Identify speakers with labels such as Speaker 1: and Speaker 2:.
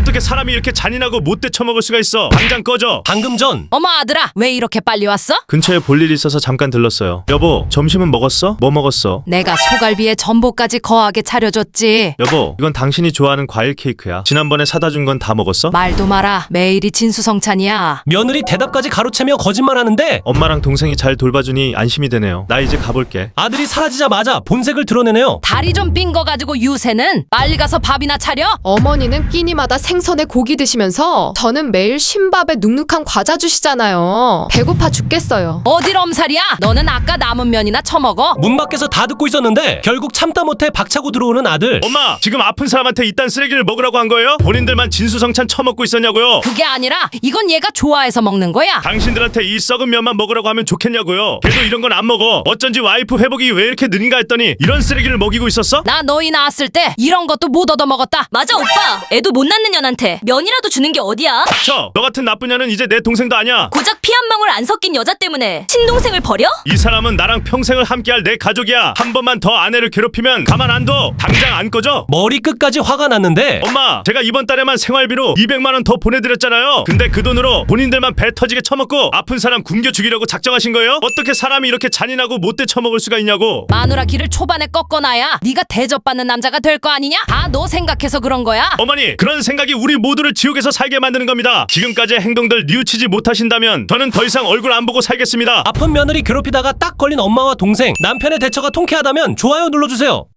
Speaker 1: 어떻게 사람이 이렇게 잔인하고 못돼 처먹을 수가 있어. 당장 꺼져.
Speaker 2: 방금 전
Speaker 3: 어머 아들아, 왜 이렇게 빨리 왔어?
Speaker 1: 근처에 볼 일이 있어서 잠깐 들렀어요. 여보, 점심은 먹었어? 뭐 먹었어?
Speaker 3: 내가 소갈비에 전복까지 거하게 차려줬지.
Speaker 1: 여보, 이건 당신이 좋아하는 과일 케이크야. 지난번에 사다 준 건 다 먹었어?
Speaker 3: 말도 마라, 매일이 진수성찬이야.
Speaker 2: 며느리 대답까지 가로채며 거짓말하는데
Speaker 1: 엄마랑 동생이 잘 돌봐주니 안심이 되네요. 나 이제 가볼게.
Speaker 2: 아들이 사라지자마자 본색을 드러내네요.
Speaker 3: 다리 좀 삔 거 가지고 유세는 빨리 가서 밥이나 차려.
Speaker 4: 어머니는 끼니마다 생선에 고기 드시면서 저는 매일 쉰밥에 눅눅한 과자 주시잖아요. 배고파 죽겠어요.
Speaker 3: 어딜 엄살이야? 너는 아까 남은 면이나 처먹어.
Speaker 2: 문 밖에서 다 듣고 있었는데 결국 참다 못해 박차고 들어오는 아들.
Speaker 1: 엄마, 지금 아픈 사람한테 이딴 쓰레기를 먹으라고 한 거예요? 본인들만 진수성찬 처먹고 있었냐고요?
Speaker 3: 그게 아니라 이건 얘가 좋아해서 먹는 거야.
Speaker 1: 당신들한테 이 썩은 면만 먹으라고 하면 좋겠냐고요? 걔도 이런 건 안 먹어. 어쩐지 와이프 회복이 왜 이렇게 느린가 했더니 이런 쓰레기를 먹이고 있었어?
Speaker 3: 나 너희 낳았을 때 이런 것도 못 얻어 먹었다.
Speaker 5: 맞아 오빠. 애도 못 낳는 년한테 면이라도 주는 게 어디야?
Speaker 1: 너 같은 나쁜 년은 이제 내 동생도 아니야.
Speaker 5: 고작 피 한 방울 안 섞인 여자 때문에 친동생을 버려?
Speaker 1: 이 사람은 나랑 평생을 함께할 내 가족이야. 한 번만 더 아내를 괴롭히면 가만 안 둬. 당장 안 꺼져.
Speaker 2: 머리 끝까지 화가 났는데
Speaker 1: 엄마, 제가 이번 달에만 생활비로 200만 원 더 보내드렸잖아요. 근데 그 돈으로 본인들만 배 터지게 처먹고 아픈 사람 굶겨 죽이려고 작정하신 거예요? 어떻게 사람이 이렇게 잔인하고 못돼 처먹을 수가 있냐고.
Speaker 3: 마누라 길을 초반에 꺾어놔야 네가 대접받는 남자가 될 거 아니냐? 다 너 생각해서 그런 거야.
Speaker 1: 어머니, 그런 생각이 우리 모두를 지옥에서 살게 만드는 겁니다. 지금까지의 행동들 뉘우치지 못하신다면 저는 더 이상 얼굴 안 보고 살겠습니다.
Speaker 2: 아픈 며느리 괴롭히다가 딱 걸린 엄마와 동생. 남편의 대처가 통쾌하다면 좋아요 눌러주세요.